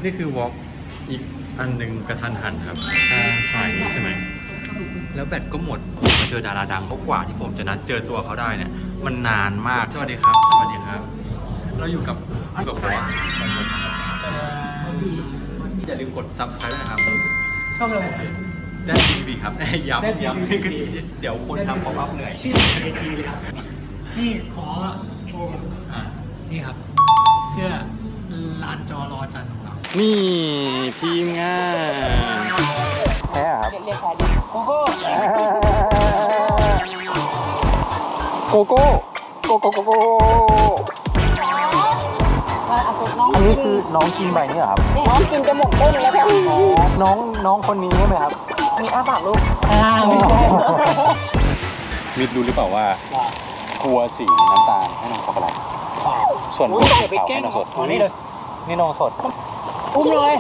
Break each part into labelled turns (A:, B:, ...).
A: นี่คือวอล์กอีกอันหนึ่งกระทันหันครับถ่ายนี้ใช่ไหมแล้วแบตก็หมดมาเจอดาราดังกว่าที่ผมจะนัดเจอตัวเขาได้เนี่ยมันนานมากสวัสดีครับสวัสดีครับเราอยู่กับแบบว่าอย่าลืมกด Subscribe ด้วยนะครับ
B: ช่องอะไร
A: ได้ทีวีครับย้ำเดี๋ยวคนทำของอัพเหนื่อย
B: ชื่อไอทีเลยครับนี่ขอโชว์นี่ครับเสื้อลานจอรอจันของเรา
A: นี่ทีมงานแพ้ครับ
B: เรียกใครดีโกโก้
A: โกโก้โกโก้โกโก้อันนี้คือน้องกินใบนี่เหรอครับ
C: น้องกินจะหมดต้นแล้วค่ะ
A: น้องคนนี้ใช่ไหมครับ
C: มีอ้าปากลูก
B: ไม่ใช่
A: มิดรู้หรือเปล่าว่ากลัวสีน้ำตาลให้น้องช็อกโกแลตส่วนขาวให้น้องสดนี่เลยนี่น้องสด
B: อุ้มเลย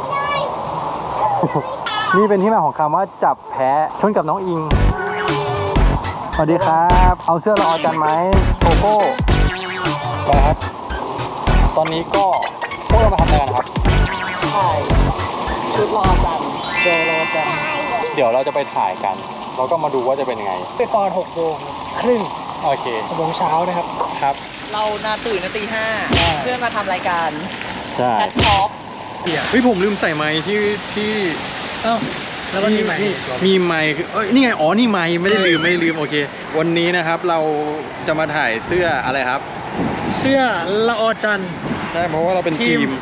A: นี่เป็นที่มาของคำว่าจับแพ้ชนกับน้องอิงสวัสดีครับเอาเสื้อละออจันไหมโกโก้ไปครับตอนนี้ก็พวกเรามาทำอะไรกันครับ
C: ถ่ายชุดรอจันเจอรอจัน
A: เดี๋ยวเราจะไปถ่ายกันแล้วก็มาดูว่าจะเป็นยังไง
B: ไปตอน6:30
A: โอเค
B: 6 โมงเช้านะครับ
A: ครับ
C: เราตื่นตี 5เพื่อนมาทำรายการ
A: ใช่
C: แคทท็อก
A: เฮ้ยผมลืมใส่ไมค์ที่
B: แล้วก็มีไมค์
A: นี่ไงอ๋อนี่ไมค์ไม่ได้ลืมโอเควันนี้นะครับเราจะมาถ่ายเสื้ออะไรครับ
B: เสื้อละออจัน
A: ใช่เพราะว่าเราเป็นทีม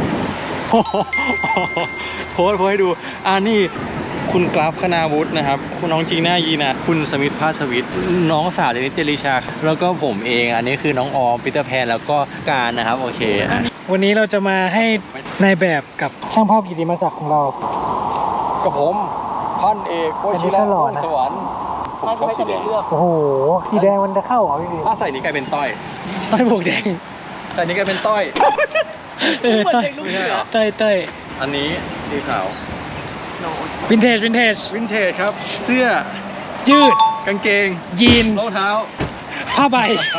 A: โพสให้ดูนี่คุณกราฟคณาวุฒินะครับคุณน้องจีน่ายีนะคุณสมิทธภาสวิทย์น้องสาวเดนิสเจริชาแล้วก็ผมเองอันนี้คือน้องออมปีเตอร์แพนแล้วก็การนะครับโอเค
B: วันนี้เราจะมาให้นายแบบกับช่างภาพกิติมศักดิ์ของเรา
A: กับผมพันเอกโคชิระสวรรค์
C: ผมชอบสีแดง
B: โอ้โหสีแดงมันจะเข้าเหรอพี่
A: ถ้าใส่นี้กลายเป็นต้อย
B: บวกแดง
A: ใส่นี้กลายเป็นต้อย
B: ต้อย
A: อันนี้สีขาว
B: วินเทจ
A: ครับเสื้อ
B: ยืด
A: กางเกง
B: ยีน
A: รองเท้า
B: ผ้าใบ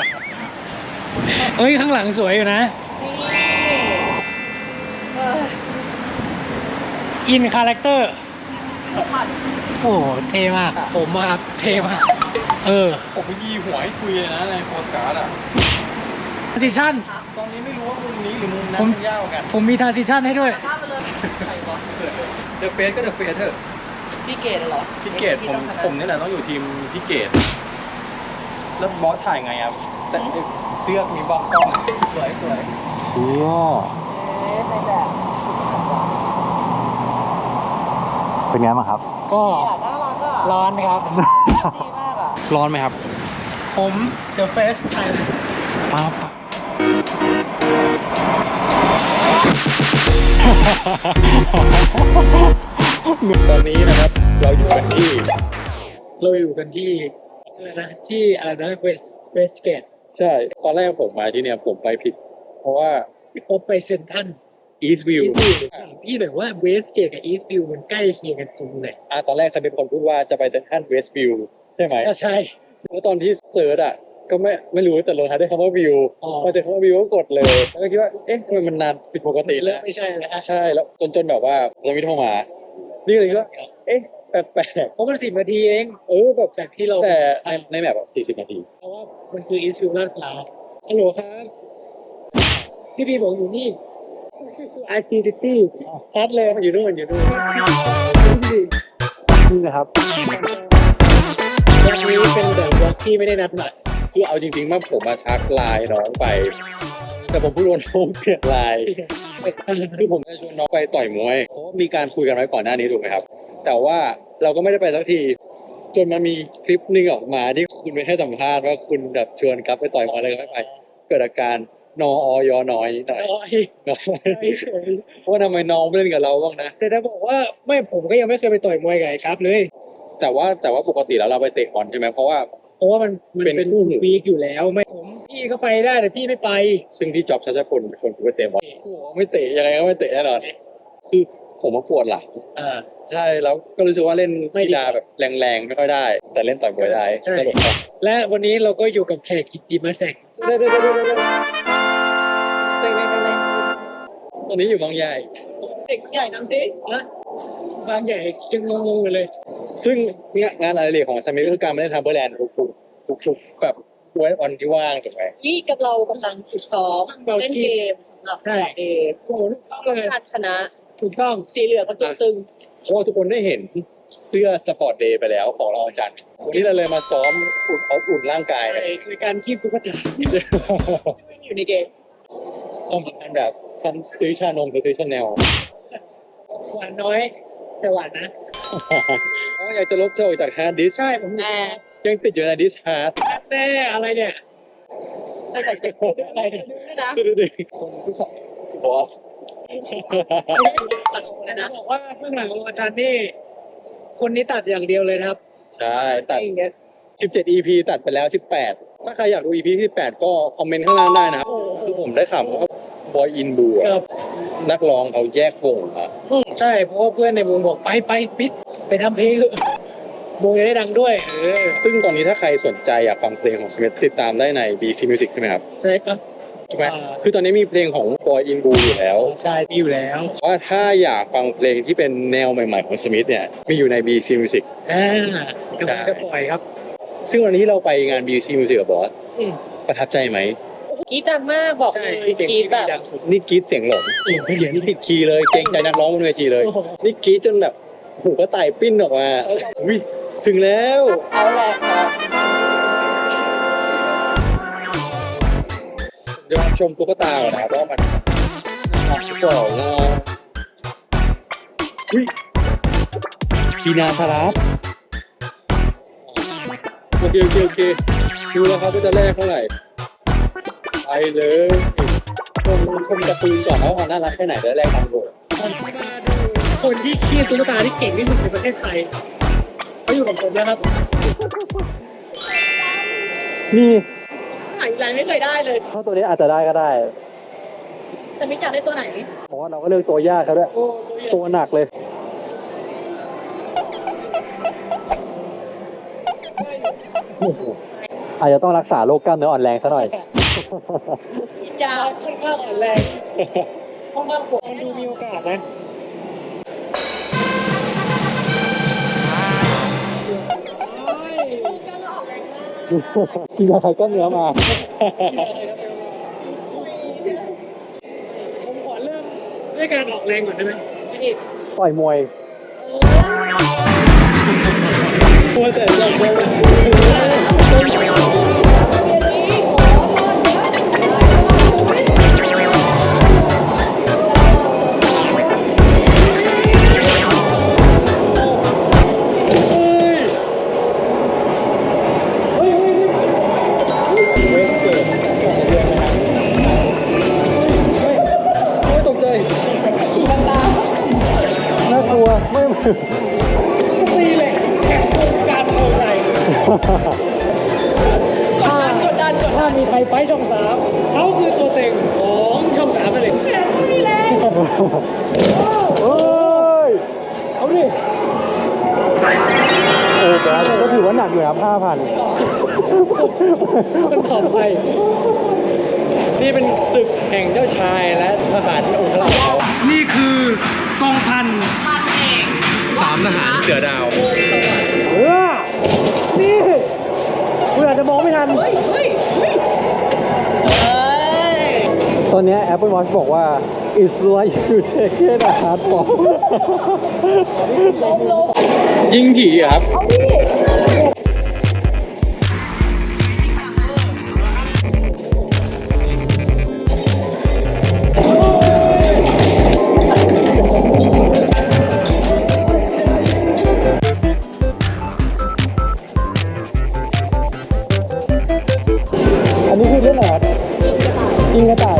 B: ข้างหลังสวยอยู่นะอินคาแรคเตอร์โอ้เท่มากผมมาเท่มาก
A: ผมยีหัวให้ทุยเลยนะในโพสการ์ด
B: ทาร์ติชั่น
A: ตอนนี้ไม่รู้ว่ามุมนี้หรือมุมนั้นยาวกัน
B: ผมมีทาร์ติชั่นให้ด้วย
A: เดอะเฟสก็เดอะเฟสเถอะ
C: พี่เกดเหรอ
A: พี่เกดผมนี่แหละต้องอยู่ทีมพี่เกดแล้วบอสถ่ายไงครับเสื้อมีบังกล้องสวยเสื้อเป็นไงบ้างครับ
B: ก็ร้อนครับ
C: ดีมากอ่ะ
A: ร้อนไหมครับ
B: ผม The Face Thailand
A: ปั๊บตอนนี้นะครับเราอยู่กันที่
B: อะไรนะเวสเกต
A: ใช่ตอนแรกผมมาที่เนี่ยผมไปผิดเพราะว่า
B: ผมไปเซ็นทรัล
A: อีสต์วิว
B: พี่แบบว่าเวสเกตกับอีสต์วิวมันใกล้เคียงกันตรงไหน
A: ตอนแรกฉันเป็นคนพูดว่าจะไปเซ็นทรัลเวสต์วิวใช่ไหม
B: ใช่
A: แล้วตอนที่เสิร์ชก็ไม่รู้แต่ลงท้ายด้วยคำว่าวิวพอเจอคำว่าวิวก็กดเลยแล้วก็คิดว่าเอ๊ะทำไมมันนานผิดปกติแล้ว
B: ไม่ใช่แล้ว
A: ใช่แล้วจนแบบว่าเราไม่โทรมานี่เลยก็เอ๊ะแปลก
B: เพราะมัน10 นาทีเองแบบจากที่เรา
A: แต่ในแมป40 นาที
B: เพราะว่ามันคืออีสต์วิวลาดพร้าวฮัลโหลครับพี่บอกอยู่นี่Activity ชัดเลย
A: อยู่นู่นนี่นะครับ
B: วันนี้เป็นแบบวอล์กที่ไม่ได้นัดหมาย
A: คือเอาจริงๆว่าผมมาทักไลน์น้องไปแต่ผมพูดว่าน้องเปลี่ยนไลน์คือผมจะชวนน้องไปต่อยมวยเพราะมีการคุยกันไว้ก่อนหน้านี้ถูกไหมครับแต่ว่าเราก็ไม่ได้ไปสักทีจนมันมีคลิปนึงออกมาที่คุณไปให้สัมภาษณ์ว่าคุณแบบชวนครับไปต่อยมวยอะไรก็ไม่ไปเกิดอาการนอยน้อยหน่อยเพราะทำไมน้องไม่เล่นกับเราบ้างนะ
B: แต่ถ้าบอกว่าไม่ผมก็ยังไม่เคยไปต่อยมวยกับไอ้ครับเลย
A: แต่ว่าปกติแล้วเราไปเตะบอลใช่ไหมเพราะว่า
B: มันเป็นวีคอยู่แล้วไม่พี่ก็ไปได้แต่พี่ไม่ไป
A: ซึ่งที่จ็อบชัชพลเป็นคนไปเตะบอลไม่เตะยังไงก็ไม่เตะแน่นอนคือผมมาปวดหลังใช่แล้วก็รู้สึกว่าเล่นกีฬาแบบแรงๆไม่ค่อยได้แต่เล่นต่อยมวยได้
B: ใช่และวันนี้เราก็อยู่กับแขกกิตติมศักดิ์
A: ตอนนี้อยู่บางใหญ่
B: เด็กใหญ่นำสินะบางใหญ่จึงงงๆเลย
A: ซึ่งงานอะไรเรกของสมิธคือการมาเล่นทัมเบอร์แลนด์ทุกแบบไว้วันที่ว่างถูกไหม
C: นี่กับเรากำลังฝึกซ้อมเล่นเกมสำหรับ
B: ใช่
C: เดย์
B: โอ้โหถูกต้องเลย
C: การชนะ
B: ถูกต้อง
C: สีเหลืองก็ตัวซึ่ง
A: เพราะว่าทุกคนได้เห็นเสื้อสปอร์ตเดย์ไปแล้วของเราอาจารย์วันนี้เราเลยมาซ้อมอุ่นร่างกาย
B: ในการคีบตุ๊กตา
C: อยู่ในเกม
A: ความสำคัญแบบฉันซื้อชานมหรือซื้อชาแนล
B: หวานน้อยแต่หวานนะ
A: อ๋ออยากจะลบเจ้าออกจากฮาร์ดดิสก์
B: ใช่ผม
C: แม่
A: ยังติดอยู่ในดิสก์ฮาร์ด
B: แน่อะไรเนี่ย
C: ไม่ใส่เกม
B: อะไรเนี่ย
C: ด้วยนะ
A: ดึงคนที่สองบอส
C: ตัดออกเลยนะ
B: บอกว่าเบื้องหลังของอาจารย์นี่ คนนี้ตัดอย่างเดียวเลยนะครับ
A: ใช่ตัด
B: อย่างเงี้ย
A: 17 EP ตัดไปแล้ว 18 ถ้าใครอยากดู EP ที่18 ก็คอมเมนต์ข้างล่างได้นะครับคือผมได้ข่าวว่าบอยอินบู
B: ครับ
A: นักร้องเขาแยกวงมา
B: ใช่เพราะว่าเพื่อนในวงบอกไปปิดไปทำเพลงเถอะวงจะได้ดังด้วย
A: ซึ่งตอนนี้ถ้าใครสนใจอยากฟังเพลงของสมิธติดตามได้ใน BC Music ใช่ไหมครับ
B: ใช่ครับ
A: ถูกไหมคือตอนนี้มีเพลงของบอยอินบูอยู่แล้ว
B: ใช่มีอยู่แล้ว
A: ว่าถ้าอยากฟังเพลงที่เป็นแนวใหม่ๆของสมิธเนี่ยมีอยู่ใน BC Music
B: กำลังจะปล่อยครับ
A: ซึ่งวันนี้ที่เราไปงาน BC Music กับบอส
B: อืม
A: ประทับใจไหม
C: กรีดดังมากบอก
B: ใช่
C: เลย
B: เพลง
C: กรีดแบบ
B: ดังสุด
A: นี่กรี๊ดเสียงหลง
B: ไม่เหลือ
A: นี่ผิดคีย์เลยเกรงใจนักร้องบนเวทีเลย
B: โอ้โห
A: นี่กรี๊ดจนแบบหูก็ไต่ปิ้นออกมาอุ้ยถึงแล้ว
C: เอาแหละเนาะ
A: เดี๋ยวมาชมตุ๊กตาก่อนนะครับว่ามันก่อนนะอุ้ยปีนาทารัสโอเคดูแล้วครับว่าจะแลกเท่าไหร่ไปเลยชมการ์ตูนก่อนว่ามันน่ารักแค่ไหนแล้วแลกตังค์โดด
B: คนที่คีบตุ๊กตาที่เก่งที่สุดในประเทศไทยเขาอยู่กับผมแล้วครับ
A: นี่
C: หายไรไม่เคยได้เลย
A: ถ้าตัวนี้อาจจะได้ก็ได้
C: แต่ไม่อยากได้ตัวไหน
A: เพราะว่าเราก็เลือกตัวยากครับด้วย
B: โอ้
A: ตัวหนักเลยอาจจะต้องรักษาโรคกล้ามเนื้ออ่อนแรงซะหน่อย
C: กินยา
B: ค่อนข้างอ่อนแรงค่อนข้างปวดดูมีโอกาสนะ
A: กินยาคลายกล้ามเนื้อมา
B: ผมขอเริ่มด้วยการออกแรงก่อนได้ไหมพี่ดิ
A: ต่อยมวยมวยแต่ยังไม่เวทเกิดของเดือนนะครับโอ้ยตกใจน่ากลัวไม่
B: ตีเหล็กแข่งวงการเมืองไทย
C: กดดัน
B: ถ้ามีใครไฟท์ช่องสามเขาคือตัวเต็งของช่องสามไปเลย
C: นี่แหละ
A: เฮ้ย
B: เอาดิ
A: โอ้บอสก็ถือว่าหนักอยู่ครับ 5,000
B: มันตอบไป
A: นี่เป็นศึกแห่งเจ้าชายและทหารองค์ราช
B: นี่คือกองพัน
C: มันเอง
A: 3 ทหารเสือดาว
B: นี่คุณอาจจะมองไม่ทัน
C: เฮ้ย
A: ตอนนี้ Apple Watch บอกว่า it's like you taken a hard ball
C: ลง
A: ยิงผีครับ
C: เอาดิ
A: อันนี้คือเรื่องอะไรครับยิงกระต่าย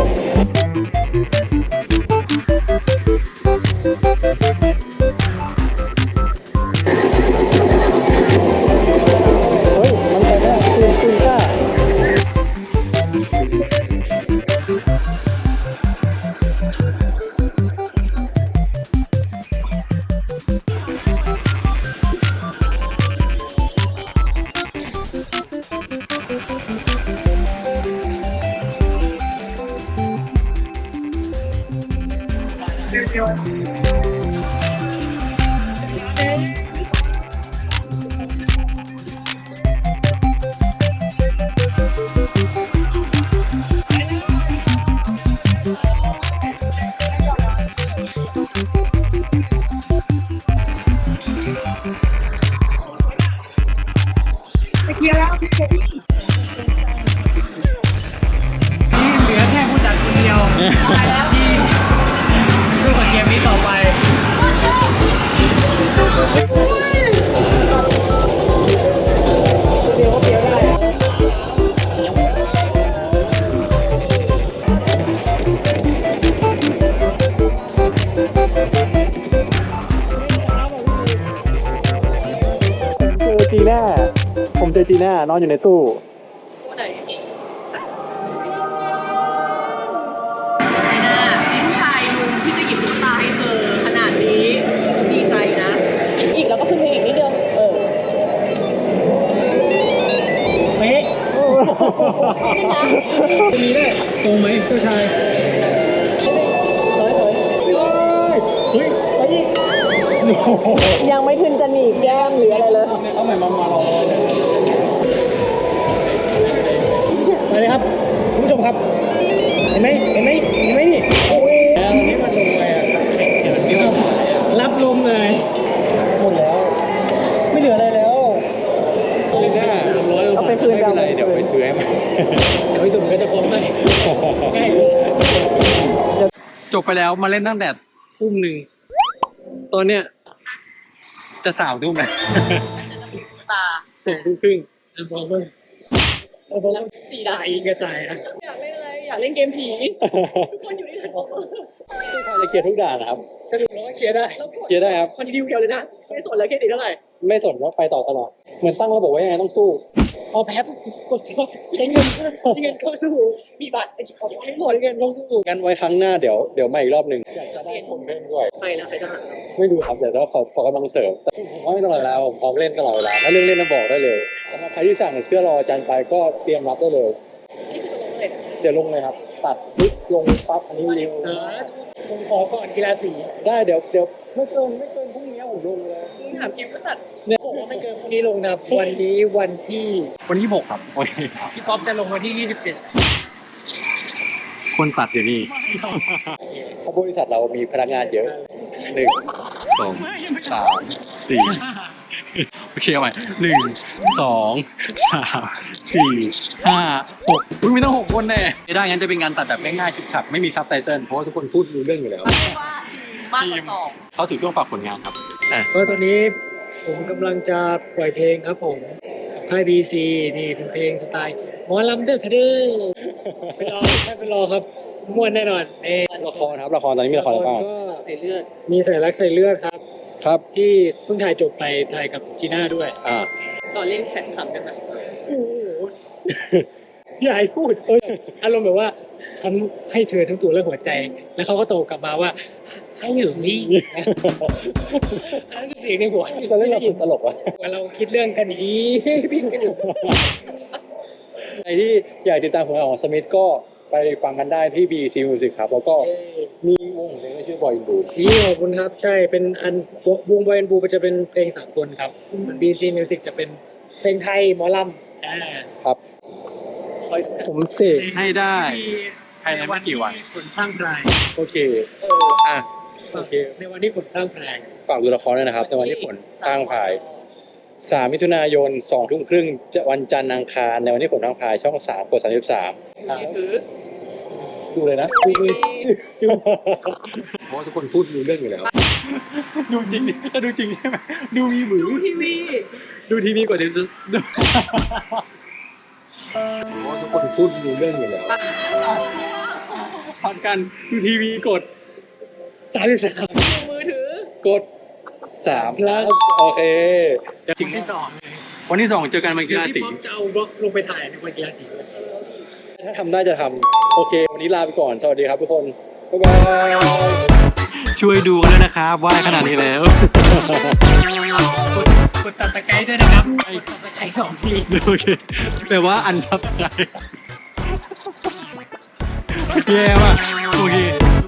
B: นี่เหลือแค่ผู้จัดคนเดียวที่สู้กับเกมนี้ต่อไปเดียวก็เดียวได้
A: เจอจีน่าผมเจอจีน่านอนอยู่ในตู้
C: จีน่ามีผู้ชายลุงที่จะหยิบตุ๊กตาให้เธอขนาดนี้ดีใจนะ อีกแล้วก็ขึ้นเพลงอีกนิดเดียว
B: เป๊ะจะมีด้วยตรงไหมเจ้าชายเฮ้ยไปอีก
C: ยังไม่ถึงจะหนีบแก้มหรืออะไรเลย
A: เอาใหม่มาเรา
B: ไปเลยครับคุณผู้ชมครับเห็นไหมนี่
A: แล้วนี่มันลงไปอ่ะเดี๋ยวมันเยอะ
B: รับลมเลย
A: หมดแล้ว ไม่เหลืออะไรแล้วจีน่า
C: เอาไปคืน
A: ไม่เป็นไรเดี๋ยวไปซื้อให้ใหม่
B: เดี๋ยวไปสุ่มก็จะฟ้องให้ง่าย
A: จบไปแล้วมาเล่นตั้งแต่ทุ่มหนึ่งตอนเนี้ยจะ3 ทุ่มแล้ว
C: ตา
B: 2 ทุ่มครึ่งจะฟ้องเพิ่มเอาฟ้องแล้ว4 ดาอีกกระจายนะ
C: อยากเล่นอะไร อยากเล่นเกมผี ทุกคนอยู่ในนั้น
A: ใครจะเกียร์ทุกด่านนะครับ
B: สรุปแล้วก็เคลียร์ได้
A: เกียร์ได้ครับ
C: คอนดิวเดียวเลยนะ ไม่สนแล้วเครดิตเท่าไหร่
A: ไม่สนว่าไปต่อตลอด เหมือนตั้งระบบไว้ยังไงต้องสู้
B: พอแพ้ปุ๊บกดใช้เงินเข้าสู้มีบัตรไอ้ของไม่หมดเงินเข้าสู้
A: งั้นไว้ครั้งหน้าเดี๋ยวมาอีกรอบหนึ่งอยากจะได้คนเล่นด้วย
C: ไปแล้วใครจะหา
A: ไม่ดูครับแต่ว่าขอกำลังเสริมแต่ผมว่าไม่ตลอดเวลาผมพร้อมเล่นตลอดเวลาถ้าเรื่องเล่นน่ะบอกได้เลยสำหรับใครที่สั่งเสื้อรออาจารย์ไปก็เตรียมรับได้เลย
C: นี่คือจะลงเลยนะ
A: เดี๋ยวลงเลยครับ ตัดปุ๊บลงปั๊บอันนี้เร็ว
B: ผมขอก่อนกีฬาสี
A: ได้เดี๋ยวไม่เกินพรุ่งนี้ผมลงเลย
C: มึงถามจริงก็ตัด
B: เนี่ยผมว่าไม่เกินพรุ่งนี้ลงนะวันนี้วันที่
A: วันที่6ครับโอเค
B: พี่ป๊อปจะลงวันที่
A: คนตัดอยู่นี่เพราะบริษัทเรามีพนักงานเยอะ1 2 3 4โอเคเอาใหม่1 2 3 4 5 6อุ้ยมีตั้ง6 คนแน่ไม่ได้งั้นจะเป็นงานตัดแบบง่ายๆฉิบๆไม่มีซับไตเติลเพราะว่าทุกคนพูดรู้เรื่องอยู่แล้ว
C: มากกว่า 2
A: เขาถือช่วงฝากผลงานครับ
B: 11ก็ตอนนี้ผมกำลังจะปล่อยเพลงครับผมกับค่าย BC นี่เป็นเพลงสไตล์หมอลำเด้อค่ะเด้อไปรอครับม่วนแน่นอนเอ
A: ละครครับละครตอนนี้มีละครอะไรบ้าง
B: ก็
C: ใส่เลือด
B: มีใส่รักใส่เลือดครับ
A: ครับ
B: ที่เพิ่งถ่ายจบไปถ่ายกับจีน่าด้วย
C: ตอนเล่นแข่งขันกันนะ
B: โอ้โหอย่าให้พูดอารมณ์แบบว่า ฉันให้เธอทั้งตัวและหัวใจ แล้วเขาก็โตกลับมาว่า ให้อยู่นี่อันนั้นคือเสียงในหัว
A: ตอนเล่นเราคือตลกวะ
B: ว่าเราคิดเรื่องกันดีพิมกันอยู่
A: ใครที่อยากติดตามผลงานของสมิธก็ไปฟังกันได้ที่ BC Music ครับแล้วก็มีวงของเพลงที่ชื่อบอยอินดู
B: นี่ขอบคุณครับ ใช่เป็นอันวงบอยแอนด์บูจะเป็นเพลงสากลครับส่วน BC Music จะเป็นเพลงไทยหมอลำ
A: ครับผมเสกให้ได้ภายในไม่กี่วัน
B: ฝนพรั่งพราย
A: โอเคโอเค
B: ในวันที่ฝนพรั่งพราย
A: ฝากดูละครด้วยนะครับในวันที่ผลทางพาย3 มิถุนายน 2 ทุ่มครึ่งวันจันทร์อังคารในวันที่ผลทางพายช่อง 3 กด 33
C: ถือ
A: ดูเลยนะเพราะว่าทุกคนพูดรู้เรื่องอยู่แล้ว ดูจริงถ้าดูจริงใช่ไหมดูมีหมือ
C: ทีวี
A: ดูทีวีกว่าจะเพราะทุกคนพูดรู้เรื่องอยู่แล้วพักกันดูทีวีกด
B: 33
C: มือถือก
A: ด3 plus โอเค
B: วันที่ 2 เลย
A: วันที่ 2 เจอกันวันกีฬาสี
B: พี่ป๊อปจะเอาบล็อกลงไปถ่ายในวันกีฬาสี
A: ถ้าทำได้จะทำโอเค วันนี้ลาไปก่อน สวัสดีครับทุกคน บ๊ายบาย ช่วยดูกันด้วยนะครับว่าขนาดนี้แล้ว
B: กดตัดตะไคร้ด้วยนะครับกดตัดตะไคร้2 ที
A: โอเคแปลว่าอันซับไครแย่ว่ะโอเค